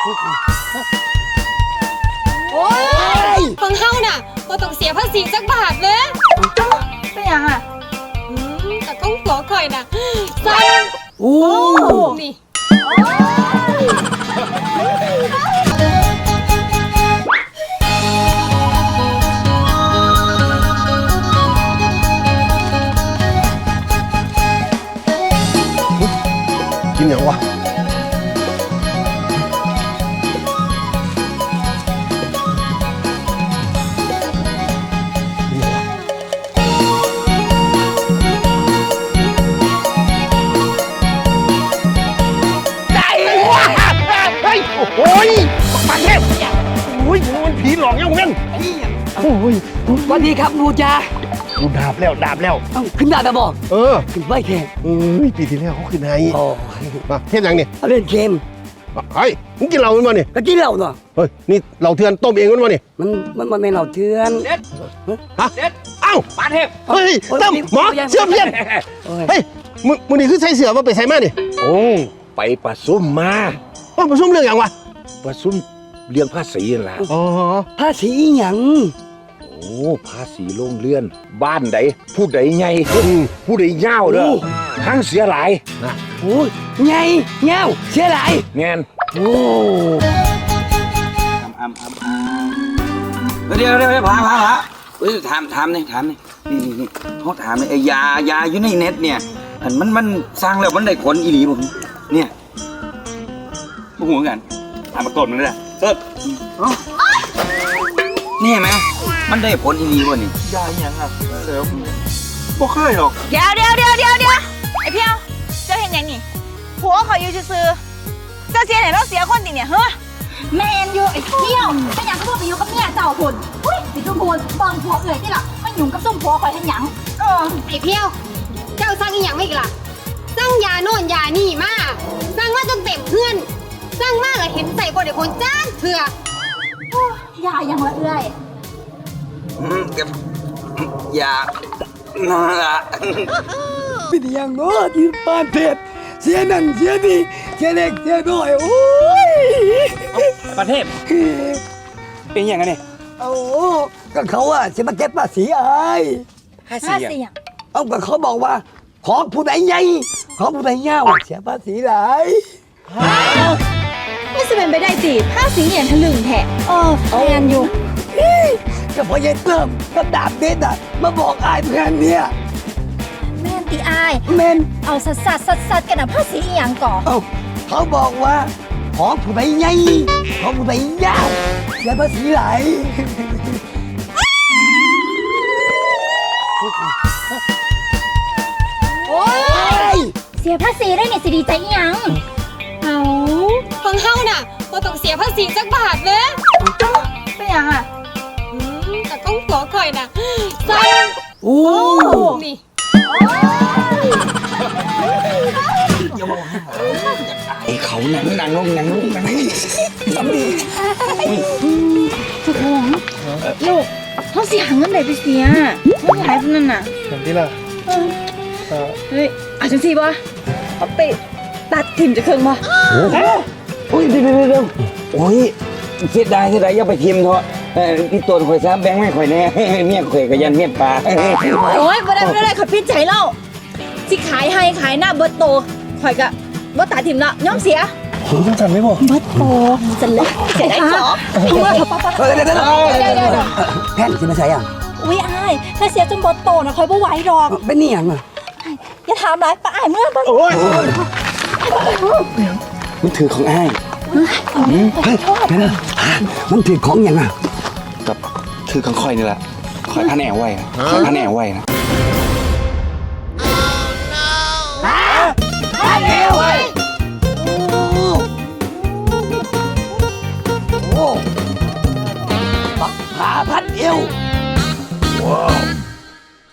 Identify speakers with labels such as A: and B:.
A: โอ้ยฟังเฮาน่ะบ่ต้องเสียภาษีสักบาทเลยเป็นยังอ่ะแต่ก้องหัวข่อยน่ะสั่นโอ้นี่
B: กินอย่างวะโอ้ยปักเทพโอ้ยมันผีหลอกยังเว้นโอ้ย
C: สวัสดีครับหนูจ้า
B: ดูดาบแล้ว
C: ขึ้นได้แล้วบอกขึ้นไม่แค่
B: ปีที่แล้วเขาขึ้นให้มาเทพยังนี่
C: เล่นเกม
B: เฮ้ยมึงกินเหล้ามันมาเนี่ย
C: ก็กินเหล้าเนาะ
B: เฮ้ยนี่เหล้าเถื่อนต้มเองมันมาเนี่ย
C: มันไม่เหล้าเถื่อน
D: เด็ด
B: ฮะเอ้า
D: ปาเทพ
B: เฮ้ยตั้มหมอเสื้อเพี้ยนเฮ้ยมึงนี่คือใส่เสื้อมาไปใส่มาเนี่ย
D: โอ้ไปประซุ่มมา
B: ประชุมเรื่องอย่างวะ
D: ประซุ่มเรื่องภาษีนั่นแหละ
B: อ๋อ
C: ภาษีหยัง
D: โอ้ภาษีโรงเรือนบ้านใดผู้ใดใหญ่ผู้ใดยาวเด้อทั้งเสียหลาย
C: นะโอ้ยใหญ่เงาเสียหลาย
D: แม่น
C: โอ้
E: เดี๋ยวพาถามนี่เขาถามไอ้ยาอยู่ในเน็ตเนี่ยมันสร้างแล้วมันได้ผลอีหลีผมเนี่ยพวกหัวกันถามมาต้นมันเลยต้นนี่ไหมมันได้ผลอีหลีวะนี่
D: ยาอย่างอ่ะเดี๋ยวบ่เคยหรอก
A: เดี๋ยวไอ้เพียวเจ้าเห็นยังนี่ผัวเขาอยู่ซื่อเจ้าเสียไหนเราเสียคนติเนี่ยเฮ้ย
F: แมนอยู่ไอ้เที่ยวถ้าอยากก็ไปอยู่กับเมียเจ้าคนอุ้ยสิจุ่มพูนบางผัวเอ่ยที่หลักมันหยุ่งกับซุ่มผัวคอยทันหยัง
A: ไอ้เพียวเจ้าสร้างอีหยังไม่กี่ล่ะสร้างยาโน่นยานี่มาสร้างมาจนเต็มเพื่อนสร้างมากเลยเห็นใส่บนไอ้คนจ้างเถื่
F: อยายังละเอ่ย
E: ยาน่าละ
C: เป็นอย่างโน้ที่บ้านเพชรเสียนั่นเสียนี่เสียเล็กเสียน้อยโอ้ย
D: ประเทศเป็นอย่างไงเนี่ย
C: โอ้ก็เขาอะจะมาเก็บภาษีไอ้
F: ภาษีอย่าง
C: เอาก็เขาบอกว่าของผู้ใดใหญ่ของผู้ใดเงาเสียภาษีหลาย
F: ไม่จะเป็นไปได้สิภาษีอย่างทะลึ่งแท้แมนอยู่
C: ก็พอยายเติมก็ดาบเด็ดอะมาบอกอายเพื่อนเนี่ย
F: แมนตีอาย
C: แมน
F: เอาสัดกันนะภาษีอย่างก่อ
C: เขาบอกว่าของผู้ใดใหญ่ของผู้ใดยาวเสียภาษีหลาย
F: โอ้ยเสียภาษีได้เนี่ยสิดีใจยัง
A: เอาฟังเฮาน่ะบ่ต้องเสียภาษีสักบาทเลยเป็นยังอ่ะแต่ก้องหัวข่อยน่ะสั่น
C: โอ้
A: นี่
E: ไอ้เขานั่งลง
F: สำดีทุกคนลูกเขาเสียเงินไหนไปเสียไม่หลายพวกนั้นน่ะ
B: อย่างที่ล่ะ
F: เฮ้ยอาจังสิบ่เอาไปตัดทิ่มจะเครื่องบ่
E: โอ้ยเดี๋ยวโอ้ยเสียดายอย่าไปทิ่มเถอะพี่ตัวข่อยซะแบงค์ไม่ข่อยแน่เมียข่อยก็ยันเมียปลา
F: โอ้ยบ่ได้ขับพิษใจเล่าสิขายให้ขายหน้าเบิร์ตโตข่อยก็บ่ตัดทิ่มละย้อมเสีย
B: ผมต้องจัดไหมบ่
F: เบิร์ตโตจะเล็กเสียได้เหรอเดี๋ยว
C: แผ่นจะมาใส่ยัง
F: อุ้ยอายถ้าเสียจนเบิร์ตโตนะข่อยบ่ไหวดอก
C: เป็นนี่ยังอ่ะ
F: อย่าถามไรป้าอ้ายเมื่อ
B: โอ้ย
C: มันถือของอ้ายมันถือของยังอ่ะ
D: กับถือของคอยนี่แหละคอยพันแอวไว้นะคอยพันแอวไว้นะ